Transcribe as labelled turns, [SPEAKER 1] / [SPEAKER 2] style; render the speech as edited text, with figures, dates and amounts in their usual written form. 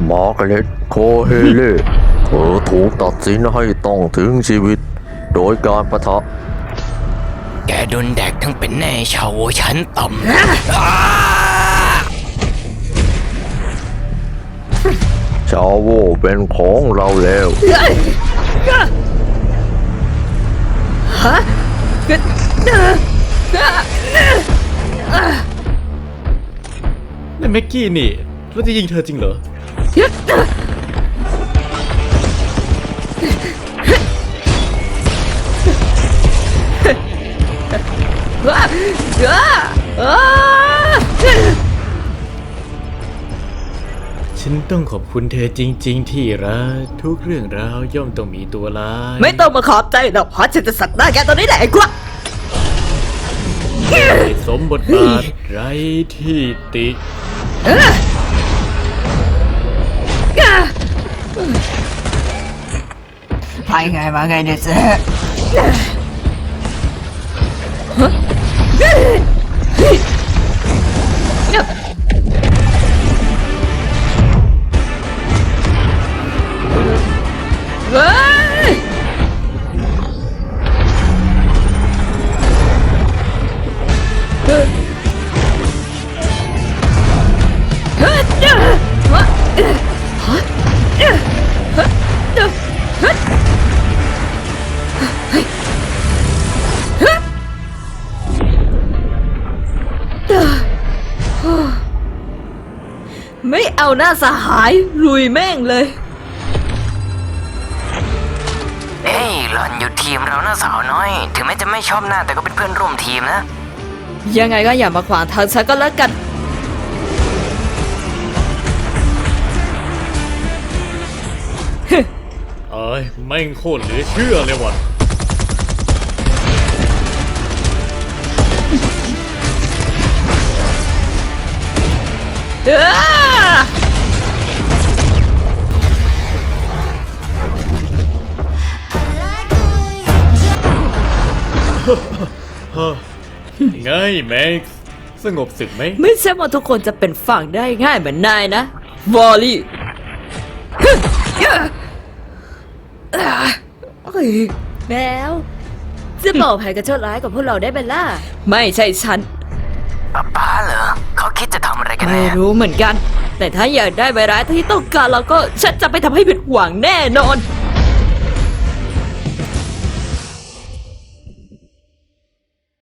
[SPEAKER 1] มาร์กาเร็ตโคเฮเล่เธอถูกตัดสินให้ต้องถึงชีวิตโดยการปะทะ
[SPEAKER 2] แกโดนแดกทั้งเป็นแน่ชาวชั้นต่ำ
[SPEAKER 1] ชาโวเป็นของเราแล้ว
[SPEAKER 3] นั่นแม็กกี้นี่เราจะยิงเธอจริงเหรอฉันต้องขอบคุณเธอจริงๆที่รักทุกเรื่องราวย่อมต้องมีตัวร้าย
[SPEAKER 4] ไม่ต้องมาขอบใจหรอกเพราะฉันจะสักหน้าแกตัวนี้แหละไอ้กวะ
[SPEAKER 3] สมบทบาทไรที่ติ
[SPEAKER 4] ไปไงมาไงเนี่ยเจ๊เฮ้ยไม่เอาหน้าสหายลุยแม่งเลย
[SPEAKER 2] เอ้ยหล่อนอยู่ทีมเรานะสาวน้อย ถึงแม้จะไม่ชอบหน้าแต่ก็เป็นเพื่อนร่วมทีมนะ
[SPEAKER 4] ยังไงก็อย่ามาขวางทางฉันก็แล้วกัน
[SPEAKER 3] เอ้ยแม่งโคตรเหลือเชื่อเลยว่ะไงแม็กซ์สงบศึกไหม
[SPEAKER 4] ไม่ใช่ว่าทุกคนจะเป็นฝั่งได้ง่ายเหมือนนายนะวอลลี่แล้วจะบอกแผนการชั่วร้ายกับพวกเราได้ไหมล่ะไม่ใช่ฉัน
[SPEAKER 2] ป้าเหรอ เขาคิดจะทำอะไรกัน
[SPEAKER 4] ไม่
[SPEAKER 2] แน่
[SPEAKER 4] รู้เหมือนกัน แต่ถ้าอยากได้ใบร้ายที่ต้องการเราก็ฉันจะไปทำให้ผิดหวังแน่นอน